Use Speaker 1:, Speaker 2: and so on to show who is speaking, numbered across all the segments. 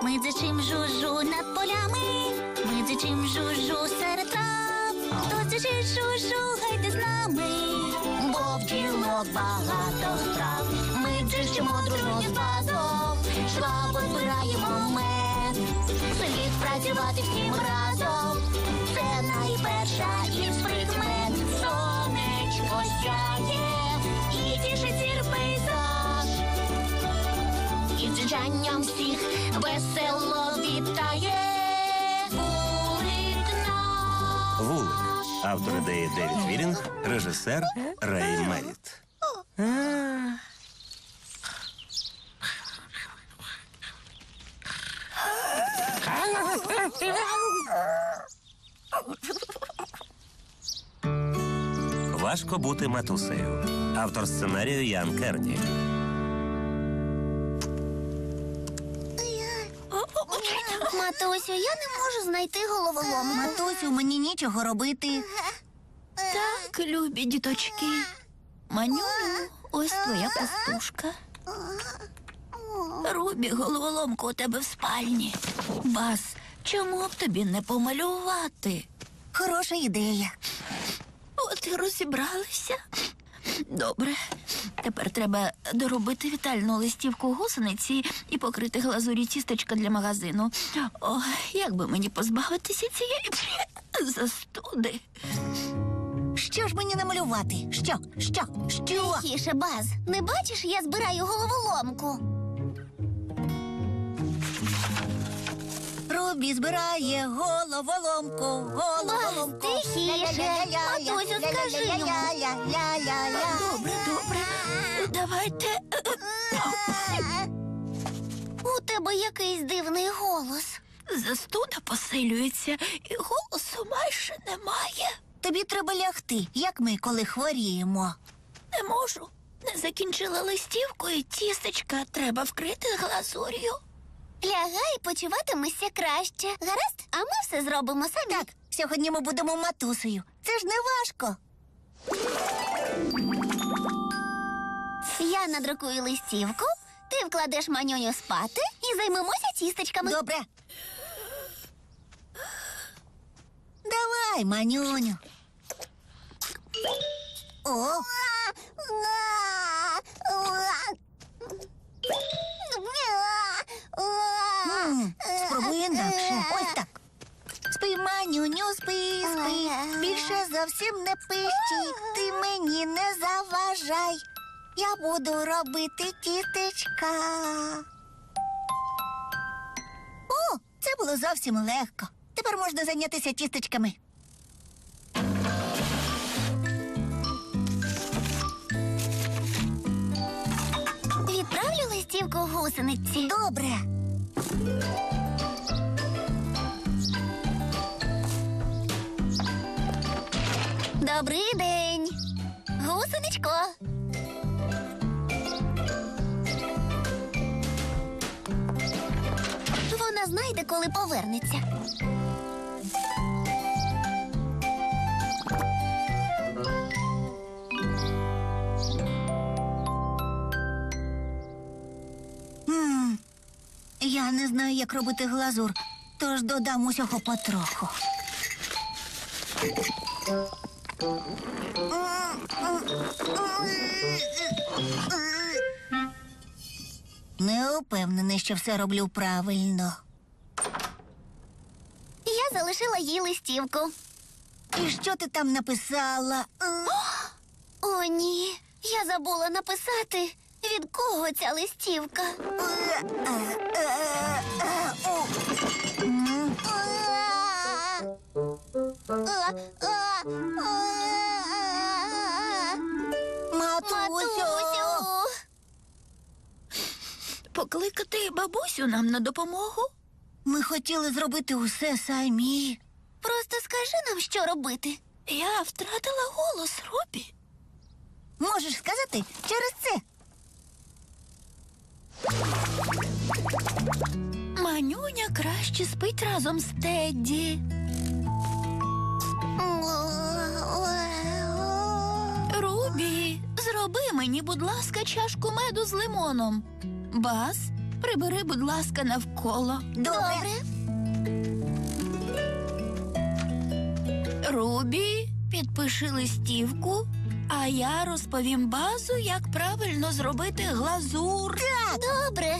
Speaker 1: Ми дзичим жужу над полями, ми дзичим жужу серед трав. Хто дзичить жужу, гайте з нами, бо в ділок багато справ. Ми дзичимо дружно з базом, швабо збираємо мед. Слід працювати всім разом, це найперша із прикмет. Сонечко сяє і тішить зір пейзаж, і дзижанням всіх весело вітає вулик наш.
Speaker 2: Вулик. Автор ідеї Девід Вірінг, режисер Рей Меріт. Важко бути матусею. Автор сценарію Ян Керні.
Speaker 1: Матусю, я не можу знайти головоломку.
Speaker 3: Матусю, мені нічого робити.
Speaker 4: Так, любі діточки. Манюню, ось твоя пастушка. Рубі, головоломку у тебе в спальні. Бас, чому б тобі не помалювати?
Speaker 3: Хороша ідея.
Speaker 4: От і розібралися. Добре. Тепер треба доробити вітальну листівку гусениці і покрити глазурі тістечка для магазину. О, як би мені позбавитися цієї застуди?
Speaker 3: Що ж мені намалювати? Що?
Speaker 1: Тихіше, Баз. Не бачиш, я збираю головоломку.
Speaker 3: Рубі збирає головоломку.
Speaker 1: Баз, тихіше. Матусю, скажи йому.
Speaker 4: Добре, добре. Давайте.
Speaker 1: У тебе якийсь дивний голос.
Speaker 4: Застуда посилюється, і голосу майже немає.
Speaker 3: Тобі треба лягти, як ми, коли хворіємо.
Speaker 4: Не можу. Не закінчила листівку і тістечка треба вкрити глазур'ю.
Speaker 1: Лягай, почуватимешся краще. Гаразд? А ми все зробимо самі.
Speaker 3: Так, сьогодні ми будемо матусею. Це ж не важко.
Speaker 1: Я надрукую листівку, ти вкладеш Манюню спати і займемося тістечками.
Speaker 3: Добре. Давай, Манюню. О, спробуй інакше. Ось так. Спи, Манюню, спи. Більше зовсім не пищи. Ти мені не заважай. Я буду робити тістечка. О, це було зовсім легко. Тепер можна зайнятися тістечками.
Speaker 1: Відправлю листівку гусениці.
Speaker 3: Добре.
Speaker 1: Добрий день, гусеничко. Вона знайде, коли повернеться.
Speaker 3: Я не знаю, як робити глазур, тож додам усього потроху. Не упевнений, що все роблю правильно.
Speaker 1: Я залишила їй листівку.
Speaker 3: І що ти там написала?
Speaker 1: О, ні, я забула написати, від кого ця листівка.
Speaker 3: Матусю!
Speaker 4: Покликати бабусю нам на допомогу?
Speaker 3: Ми хотіли зробити усе самі.
Speaker 1: Просто скажи нам, що робити.
Speaker 4: Я втратила голос, Рубі.
Speaker 3: Можеш сказати через це?
Speaker 4: Манюня краще спить разом з Тедді. Рубі, зроби мені, будь ласка, чашку меду з лимоном. Бас, Прибери, будь ласка, навколо.
Speaker 3: Добре.
Speaker 4: Рубі, підпиши листівку, а я розповім Базу, як правильно зробити глазур.
Speaker 3: Так.
Speaker 1: Добре.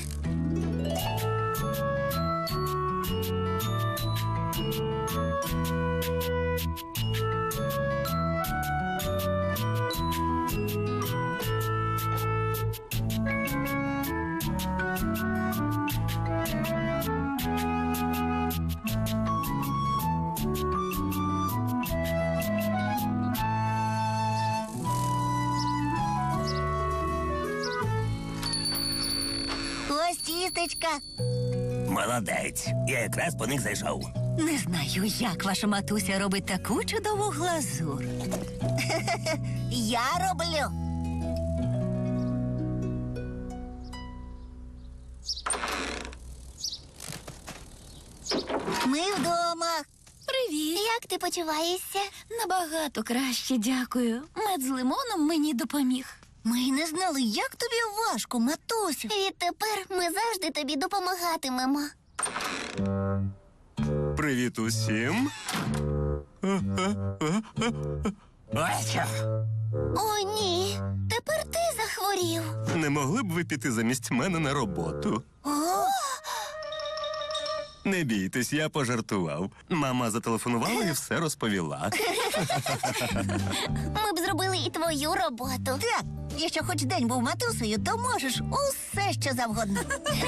Speaker 3: Ось тістечка.
Speaker 2: Молодець. Я якраз по них зайшов.
Speaker 3: Не знаю, як ваша матуся робить таку чудову глазур. Я роблю. Ми вдома.
Speaker 4: Привіт.
Speaker 1: Як ти почуваєшся?
Speaker 4: Набагато краще, дякую. Мед з лимоном мені допоміг.
Speaker 3: Ми й не знали, як тобі важко, матусю.
Speaker 1: Відтепер ми завжди тобі допомагатимемо.
Speaker 5: Привіт усім.
Speaker 2: Ой,
Speaker 1: О, ні. Тепер ти захворів.
Speaker 5: Не могли б ви піти замість мене на роботу?
Speaker 3: О,
Speaker 5: Не бійтесь, я пожартував. Мама зателефонувала і все розповіла.
Speaker 1: Ми б зробили і твою роботу.
Speaker 3: так, якщо хоч день був матусею, то можеш усе, що завгодно.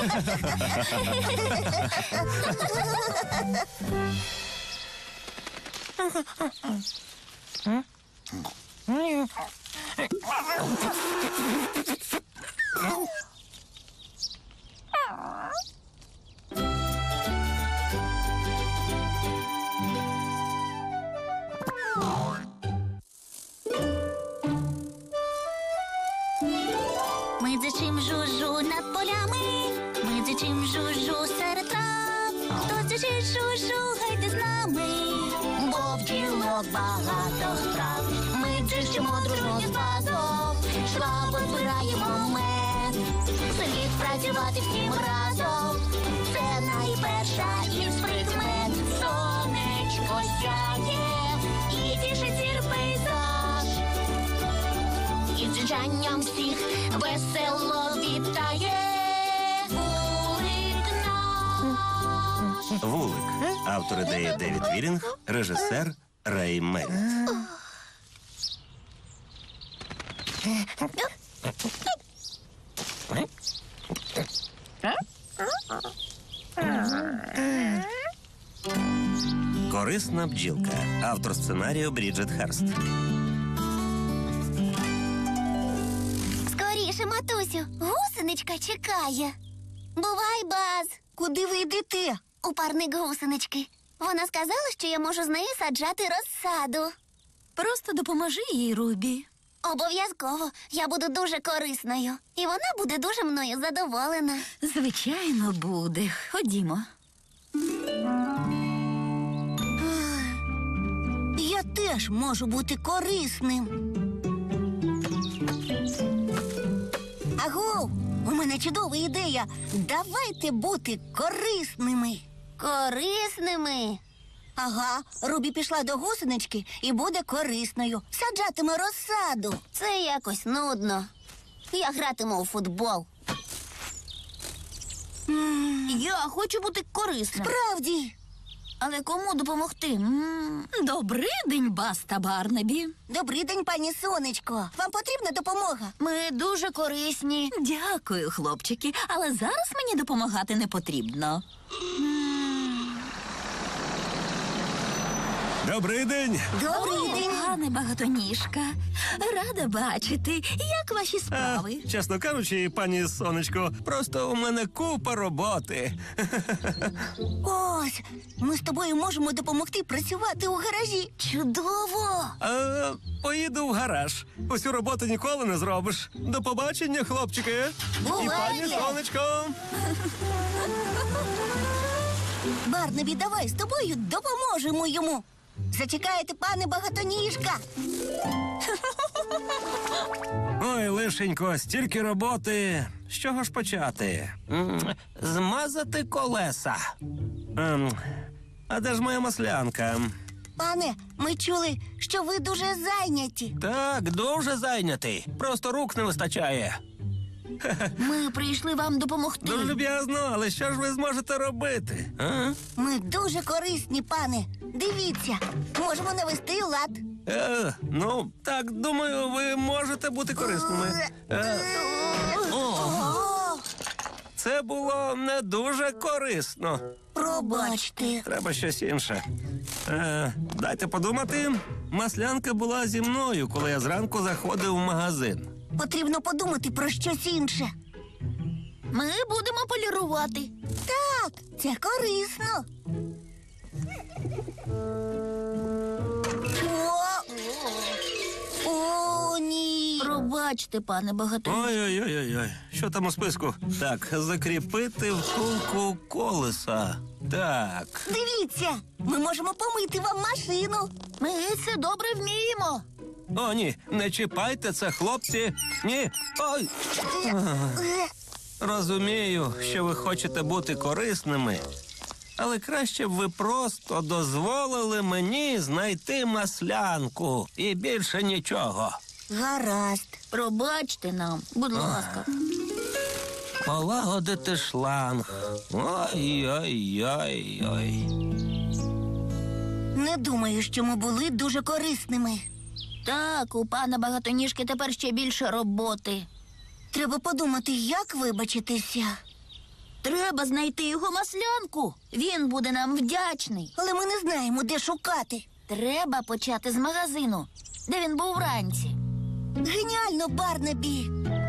Speaker 1: Ми дзичим жужу над полями, ми дзичим жужу серед трав. Хто дзичить жужу, гайте з нами, бо в ділок багато справ. Ми дзичимо дружно з базом, швабо збираємо мед. Слід працювати всім разом, це найперша із прикмет. Сонечко сяє і тішить зір пейзаж. І дзижанням всіх весело вітає вулик наш.
Speaker 2: Вулик. Автор ідеї Девід Вірінг, режисер Рей Меріт. Корисна бджілка. Автор сценарію Бріджит Харст.
Speaker 1: Скоріше, матусю, гусеничка чекає. Бувай, Баз.
Speaker 3: Куди ви йдете?
Speaker 1: У парник гусенички. Вона сказала, що я можу з нею саджати розсаду.
Speaker 4: Просто допоможи їй, Рубі.
Speaker 1: Обов'язково. Я буду дуже корисною. І вона буде дуже мною задоволена.
Speaker 4: Звичайно, буде. Ходімо.
Speaker 3: Я теж можу бути корисним. Агов, у мене чудова ідея. Давайте бути корисними.
Speaker 1: Корисними.
Speaker 3: Ага, Рубі пішла до гусенички і буде корисною. Саджатиме розсаду.
Speaker 1: Це якось нудно. Я гратиму у футбол.
Speaker 4: Я хочу бути корисним.
Speaker 3: Справді.
Speaker 4: Але кому допомогти? Добрий день, Бас та Барнабі.
Speaker 3: Добрий день, пані Сонечко. Вам потрібна допомога?
Speaker 4: Ми дуже корисні. Дякую, хлопчики, але зараз мені допомагати не потрібно.
Speaker 5: Добрий день!
Speaker 3: Добрий день.
Speaker 4: Пане багатоніжка, рада бачити. Як ваші справи?
Speaker 5: Чесно кажучи, пані Сонечко, просто у мене купа роботи.
Speaker 3: Ось, ми з тобою можемо допомогти працювати у гаражі. Чудово!
Speaker 5: Поїду в гараж. Усю роботу ніколи не зробиш. До побачення, хлопчики. І
Speaker 3: Бувайте!
Speaker 5: пані Сонечко.
Speaker 3: Барнабі, давай з тобою допоможемо йому. Зачекайте, пане багатоніжка.
Speaker 5: Ой, лишенько, стільки роботи. З чого ж почати?
Speaker 2: Змазати колеса.
Speaker 5: А де ж моя маслянка?
Speaker 3: Пане, ми чули, що ви дуже зайняті.
Speaker 2: Так, дуже зайнятий. Просто рук не вистачає.
Speaker 4: Ми прийшли вам допомогти.
Speaker 5: Дуже люб'язно, але що ж ви зможете робити?
Speaker 2: А?
Speaker 3: Ми дуже корисні, пане. Дивіться, можемо навести лад.
Speaker 5: Ну, так, думаю, ви можете бути корисними. Це було не дуже корисно.
Speaker 3: Пробачте.
Speaker 5: Треба щось інше. Дайте подумати. Маслянка була зі мною, коли я зранку заходив в магазин.
Speaker 3: Потрібно подумати про щось інше.
Speaker 4: Ми будемо полірувати.
Speaker 3: Так, це корисно. О, ні.
Speaker 4: Пробачте, пане багато.
Speaker 5: Ой-ой-ой-ой. Що там у списку? Так, закріпити втулку колеса. Так.
Speaker 3: Дивіться, ми можемо помити вам машину.
Speaker 4: Ми це добре вміємо.
Speaker 5: О, ні, не чіпайте це, хлопці. Ні. Ой. Розумію, що ви хочете бути корисними, але краще б ви просто дозволили мені знайти маслянку і більше нічого.
Speaker 3: Гаразд.
Speaker 4: Пробачте нам, будь ласка.
Speaker 2: Полагодити шланг. Ой-ой-ой-ой.
Speaker 3: Не думаю, що ми були дуже корисними.
Speaker 4: Так, у пана багатоніжки тепер ще більше роботи.
Speaker 3: Треба подумати, як вибачитися.
Speaker 4: Треба знайти його маслянку. Він буде нам вдячний.
Speaker 3: Але ми не знаємо, де шукати.
Speaker 4: Треба почати з магазину, де він був вранці.
Speaker 3: Геніально, Барнабі!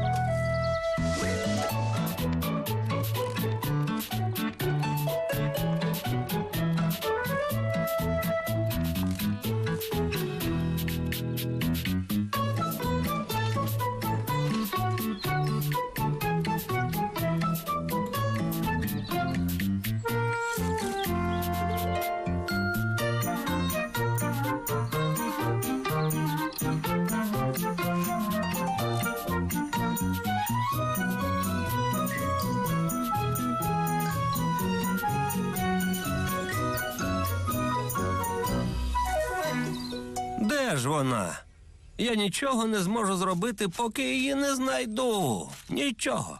Speaker 5: Де ж вона? Я нічого не зможу зробити, поки її не знайду. Нічого.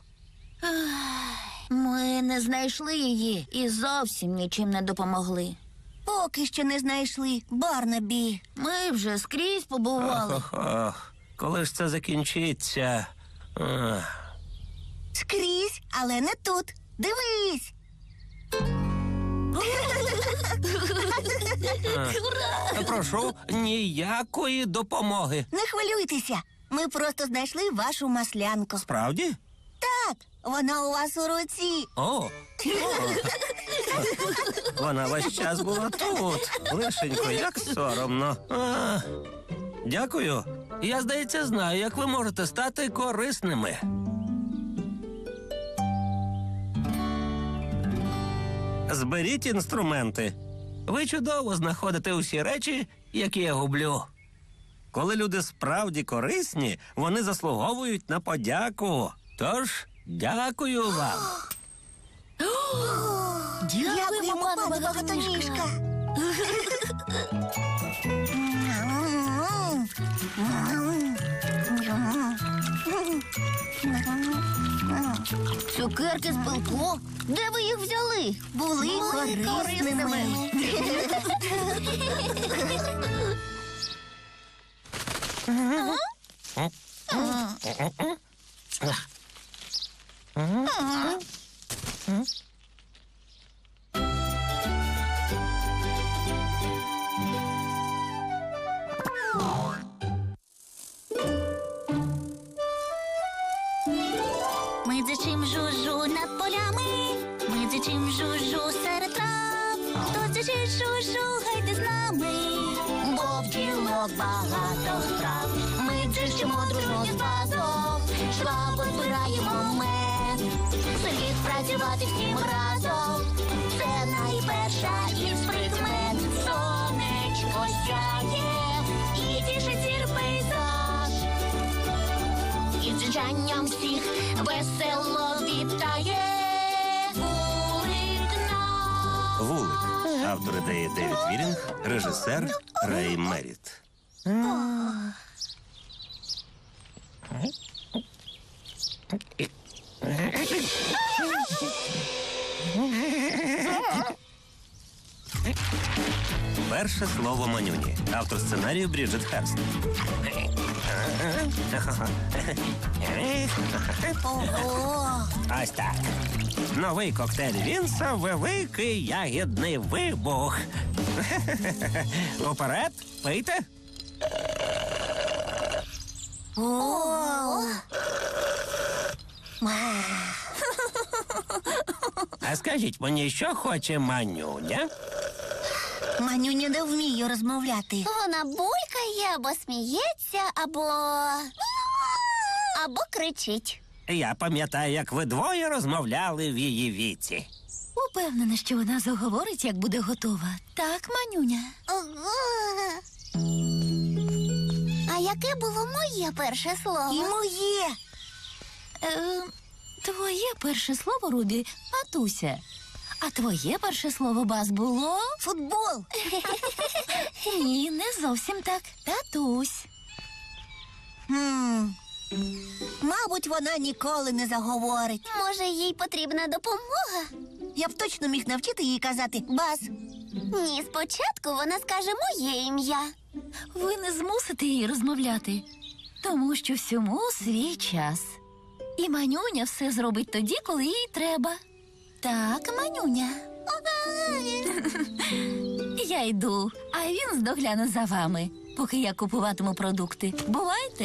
Speaker 4: Ми не знайшли її і зовсім нічим не допомогли.
Speaker 3: Поки що не знайшли, Барнабі.
Speaker 4: Ми вже скрізь побували.
Speaker 5: Ох, коли ж це закінчиться?
Speaker 3: Скрізь, але не тут. Дивись.
Speaker 5: Прошу, ніякої допомоги.
Speaker 3: Не хвилюйтеся. Ми просто знайшли вашу маслянку.
Speaker 5: Справді?
Speaker 3: Так, вона у вас у руці.
Speaker 5: О! Вона весь час була тут. Лишенько, як соромно. Дякую. Я, здається, знаю, як ви можете стати корисними. Зберіть інструменти. Ви чудово знаходите усі речі, які я гублю. Коли люди справді корисні, вони заслуговують на подяку. Тож, дякую вам.
Speaker 3: Дякуємо, пане багатоніжка.
Speaker 4: Цукерки з пилку? Де ви їх взяли?
Speaker 3: Були корисними.
Speaker 1: Ми дзичим жужу над полями, ми дзичим жужу серед трав. Хто дзичить жужу, гайте з нами, бо в ділок багато справ. Ми дзичимо дружно з басом, швабо збираємо мед. Слід працювати всім разом, це найперша із прикмет. Сонечко сяє і тішить зір пейзаж, навчанням всіх весело вітає вулик наш.
Speaker 2: Вулик. Автор ідеї Девід Вірінг, режисер Рей Меріт. Перше слово Манюні. Автор сценарію Бріджит Херст.
Speaker 3: Ого!
Speaker 2: Ось так. Новий коктейль Вінса «Великий ягідний вибух». Уперед, пийте.
Speaker 3: О!
Speaker 2: А скажіть мені, що хоче Манюня?
Speaker 3: Манюня не вміє розмовляти.
Speaker 1: Вона булькає або сміється, або кричить.
Speaker 2: Я пам'ятаю, як ви двоє розмовляли в її віці.
Speaker 4: Упевнена, що вона заговорить, як буде готова. Так, Манюня?
Speaker 1: А яке було моє перше
Speaker 3: І
Speaker 1: слово?
Speaker 3: моє.
Speaker 4: Твоє перше слово, Рубі, матуся. А твоє перше слово, Баз, було?
Speaker 3: Футбол.
Speaker 4: Ні, не зовсім так. Татусь.
Speaker 3: Мабуть, вона ніколи не заговорить.
Speaker 1: Може, їй потрібна допомога?
Speaker 3: Я б точно міг навчити її казати «Бас».
Speaker 1: Ні, спочатку вона скаже моє ім'я.
Speaker 4: Ви не змусите її розмовляти, тому що всьому свій час. І Манюня все зробить тоді, коли їй треба. Так, Манюня. Я йду, а він здогляне за вами, поки я купуватиму продукти. Бувайте.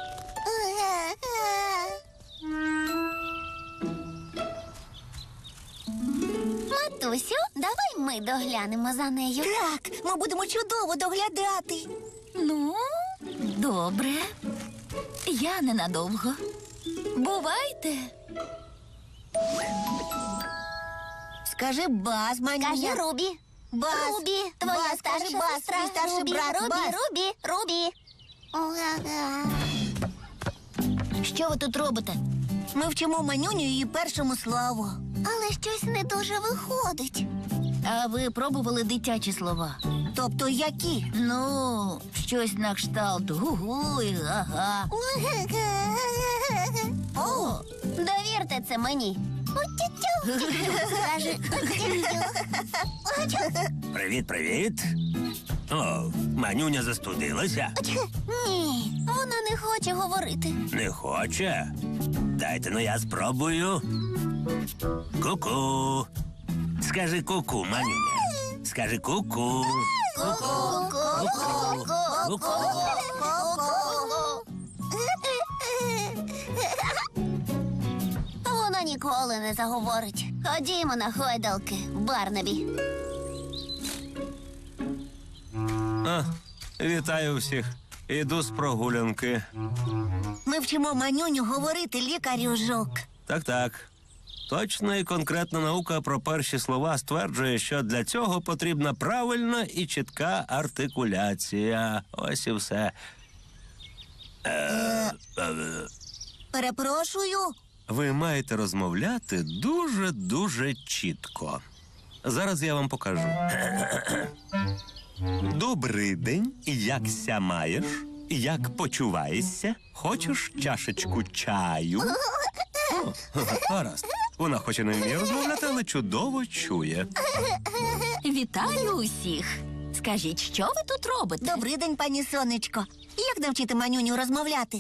Speaker 1: Матусю, давай ми доглянемо за нею.
Speaker 3: Так, ми будемо чудово доглядати.
Speaker 4: Ну, добре. Я ненадовго. Бувайте.
Speaker 3: Скажи «Бас», Манюня.
Speaker 1: Каже Рубі.
Speaker 3: Бас.
Speaker 1: Рубі, твоя
Speaker 3: Бас,
Speaker 1: старша
Speaker 3: кажи Бас,
Speaker 1: сестра.
Speaker 3: твій старший
Speaker 1: Рубі,
Speaker 3: брат,
Speaker 1: Рубі,
Speaker 3: Бас.
Speaker 1: Рубі.
Speaker 4: Що ви тут робите?
Speaker 3: Ми вчимо Манюню її першому слову.
Speaker 1: Але щось не дуже виходить.
Speaker 4: А ви пробували дитячі слова?
Speaker 3: Тобто які?
Speaker 4: Ну, щось на кшталт гу-гу і га-га.
Speaker 1: О, довірте це мені. Скажи.
Speaker 2: Привіт, привіт. О, Манюня застудилася?
Speaker 1: Ні, вона не хоче говорити.
Speaker 2: Не хоче? Дайте, ну я спробую. Ку-ку. Скажи ку-ку, Манюня. Скажи ку-ку. Ку-ку.
Speaker 1: Вона ніколи не заговорить. Ходімо на гойдалки, Барнабі.
Speaker 5: Вітаю всіх. Іду з прогулянки.
Speaker 3: Ми вчимо Манюню говорити, лікарю Жук.
Speaker 2: Так. Точна і конкретна наука про перші слова стверджує, що для цього потрібна правильна і чітка артикуляція. Ось і все.
Speaker 3: Перепрошую.
Speaker 2: Ви маєте розмовляти дуже чітко. Зараз я вам покажу. Добрий день, якся маєш? Як почуваєшся? Хочеш чашечку чаю? О, гаразд. Вона хоч і не вміє розмовляти, але чудово чує.
Speaker 4: Вітаю усіх. Скажіть, що ви тут робите?
Speaker 3: Добрий день, пані Сонечко. Як навчити Манюню розмовляти?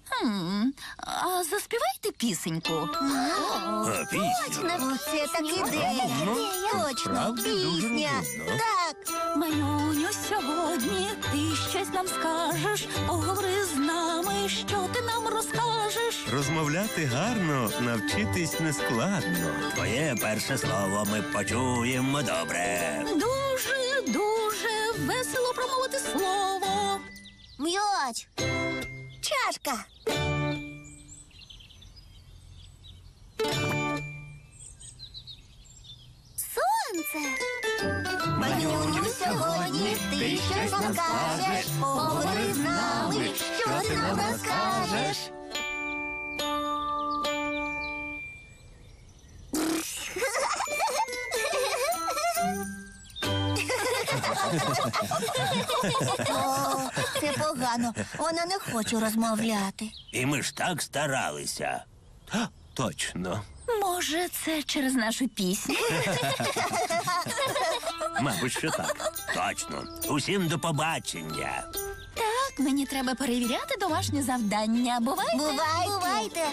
Speaker 4: А заспівайте пісеньку.
Speaker 2: Пісня.
Speaker 3: Оце так ідея. Точно,
Speaker 2: справді дуже
Speaker 3: пісня.
Speaker 2: розумно.
Speaker 3: Так.
Speaker 4: Манюню, сьогодні ти щось нам скажеш. Поговори з нами, що ти нам розкажеш.
Speaker 2: Розмовляти гарно, навчитись нескладно. Твоє перше слово ми почуємо добре.
Speaker 4: Дуже весело промовити слово.
Speaker 1: М'яч.
Speaker 3: Чашка.
Speaker 1: Сонце.
Speaker 3: Манюню, сьогодні ти щось нам скажеш. Поговори з нами, що ти нам розкажеш.
Speaker 1: О, це погано. Вона не хоче розмовляти.
Speaker 5: І ми ж так старалися.
Speaker 2: Точно.
Speaker 4: Може, це через нашу пісню?
Speaker 2: Мабуть, що так.
Speaker 5: Точно. Усім до побачення.
Speaker 4: Так, мені треба перевіряти домашнє завдання. Бувайте?
Speaker 1: Бувайте.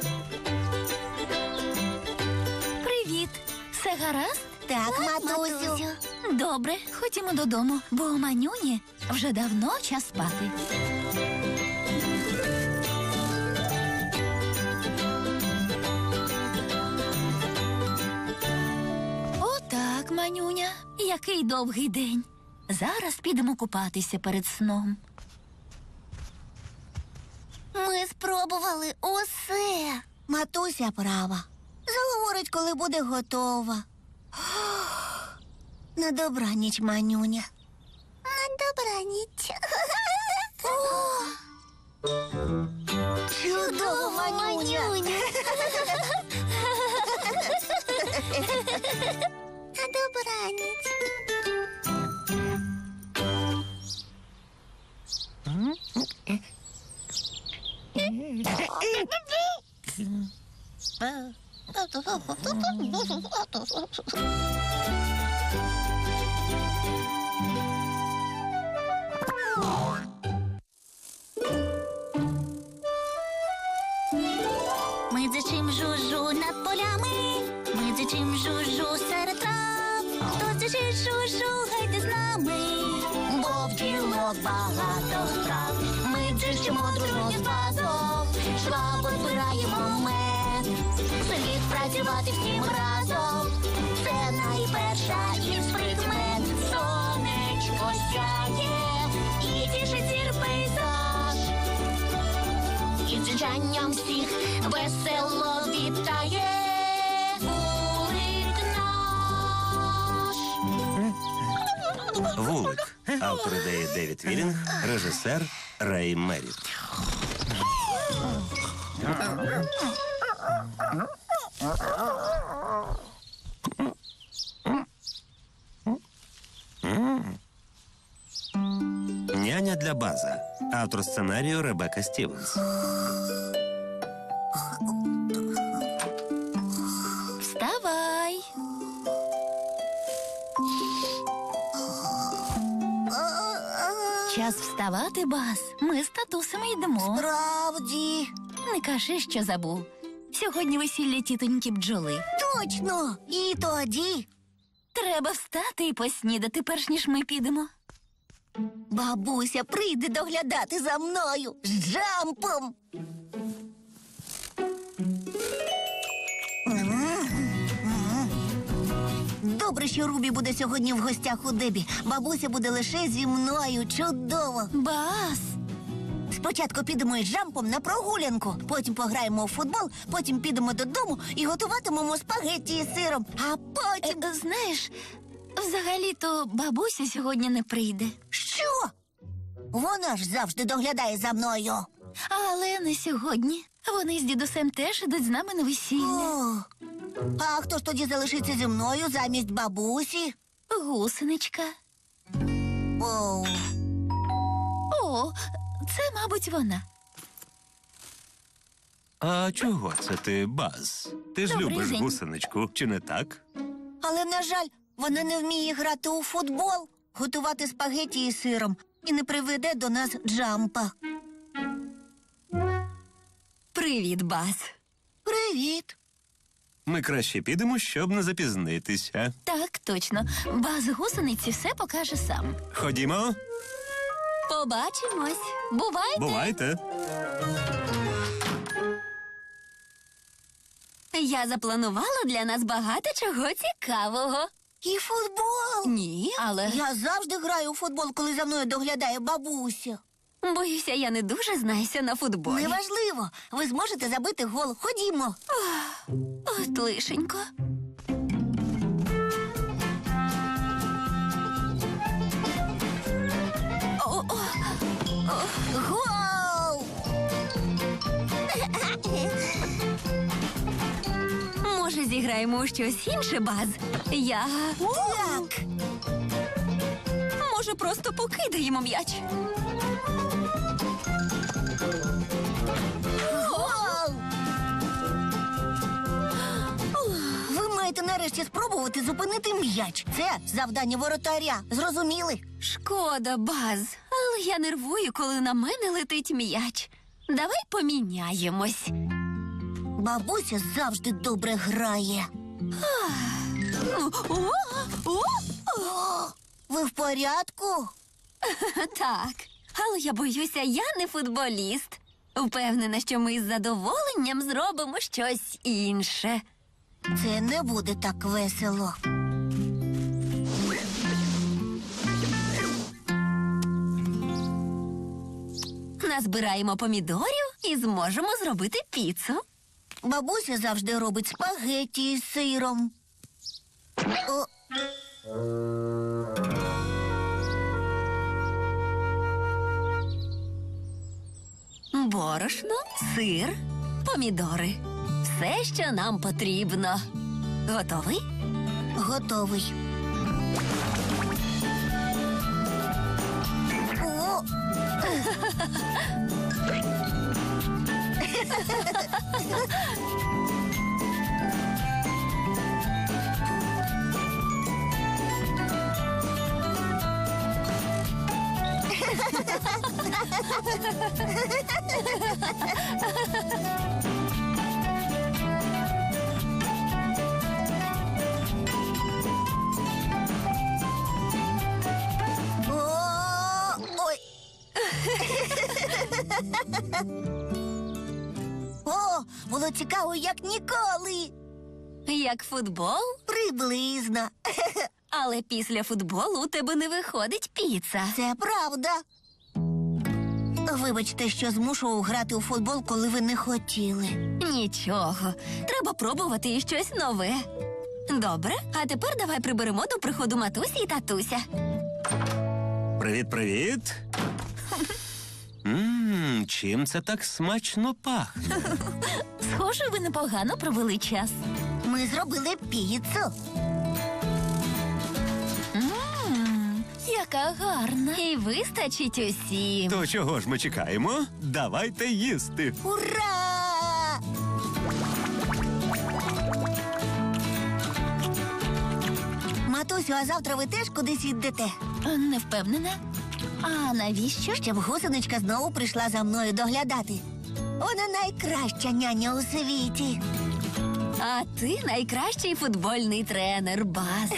Speaker 4: Привіт. Все гаразд?
Speaker 1: Так, матусю.
Speaker 4: Добре, ходімо додому, бо у Манюні вже давно час спати. Отак, Манюня, який довгий день. Зараз підемо купатися перед сном.
Speaker 1: Ми спробували усе. Матуся права. Заговорить, коли буде готова. На добраніч, Манюня. На добраніч. Чудово, Манюня. На добраніч.
Speaker 6: Ми дзичим жужу над полями, ми дзичим жужу серед трав. Хто дзичить жужу, гайте з нами, бо в ділок багато справ. Ми дзичимо дружно з базом, швабо збираємо мед. Слід працювати всім разом, це найперша із прикмет. Сонечко сяє і тішить зір пейзаж. І дзижанням всіх весело вітає вулик наш.
Speaker 2: Вулик. Автор ідеї Девід Вілінг, режисер Рей Меріт. Няня для База. Автор сценарію Ребекка Стівенс.
Speaker 4: Вставай. Час вставати, Баз. Ми з татусами йдемо.
Speaker 1: Правді.
Speaker 4: Не кажи, що забув. Сьогодні весілля тітоньки бджоли.
Speaker 1: Точно. І тоді
Speaker 4: Треба встати і поснідати, перш ніж ми підемо.
Speaker 1: бабуся прийде доглядати за мною з Джампом. Добре, що Рубі буде сьогодні в гостях у Дебі. Бабуся буде лише зі мною. Чудово.
Speaker 4: Баз!
Speaker 1: Спочатку підемо із Джампом на прогулянку, потім пограємо у футбол, потім підемо додому і готуватимемо спагетті із сиром. А потім...
Speaker 4: Знаєш, взагалі-то бабуся сьогодні не прийде.
Speaker 1: Що? Вона ж завжди доглядає за мною.
Speaker 4: Але не сьогодні. Вони з дідусем теж ідуть з нами на весілля.
Speaker 1: О, а хто ж тоді залишиться зі мною замість бабусі?
Speaker 4: Гусеничка.
Speaker 1: О,
Speaker 4: О, це, мабуть, вона.
Speaker 2: А чого це ти, Баз? Ти ж
Speaker 4: Добрий
Speaker 2: любиш
Speaker 4: день.
Speaker 2: гусеничку, чи не так?
Speaker 1: але, на жаль, вона не вміє грати у футбол, готувати спагеті із сиром і не приведе до нас Джампа.
Speaker 3: Привіт, Баз.
Speaker 1: Привіт.
Speaker 2: Ми краще підемо, щоб не запізнитися.
Speaker 4: Так, точно. Баз гусениці все покаже сам.
Speaker 2: Ходімо.
Speaker 4: Побачимось. Бувайте.
Speaker 2: Бувайте.
Speaker 3: Я запланувала для нас багато чого цікавого.
Speaker 1: І футбол.
Speaker 3: Ні, але
Speaker 1: Я завжди граю у футбол, коли за мною доглядає бабуся.
Speaker 3: боюся, я не дуже знаюся на футболі.
Speaker 1: Неважливо, ви зможете забити гол. Ходімо.
Speaker 4: От лишенько.
Speaker 1: Гол!
Speaker 3: Може, зіграємо у щось інше, Баз? Я
Speaker 1: Так.
Speaker 3: Може, просто покидаємо м'яч?
Speaker 6: Ви маєте нарешті спробувати зупинити м'яч. Це завдання воротаря. Зрозуміли?
Speaker 3: Шкода, Баз, але я нервую, коли на мене летить м'яч. Давай поміняємось.
Speaker 6: Бабуся завжди добре грає. Ви в порядку?
Speaker 3: Так, але я боюся, я не футболіст. Впевнена, що ми з задоволенням зробимо щось інше.
Speaker 6: Це не буде так весело.
Speaker 3: Назбираємо помідорів і зможемо зробити піцу.
Speaker 6: Бабуся завжди робить спагетті із сиром. О,
Speaker 3: Борошно, сир, помідори. Все, що нам потрібно. Готовий?
Speaker 6: готовий. О, ой. О, було цікаво, як ніколи.
Speaker 3: Як футбол?
Speaker 6: Приблизно.
Speaker 3: Але після футболу у тебе не виходить піца.
Speaker 6: Це правда. Вибачте, що змушував грати у футбол, коли ви не хотіли.
Speaker 3: Нічого. Треба пробувати і щось нове. Добре, а тепер давай приберемо до приходу матусі і татуся.
Speaker 2: Привіт-привіт. Чим це так смачно пахне?
Speaker 3: Схоже, ви непогано провели час.
Speaker 6: Ми зробили піцу.
Speaker 3: Яка гарна. І вистачить усім.
Speaker 2: То чого ж ми чекаємо? Давайте їсти.
Speaker 6: Ура! Матусю, а завтра ви теж кудись йдете?
Speaker 3: Не впевнена. А навіщо?
Speaker 6: Щоб гусеничка знову прийшла за мною доглядати. Вона найкраща няня у світі.
Speaker 3: А ти найкращий футбольний тренер, Баз.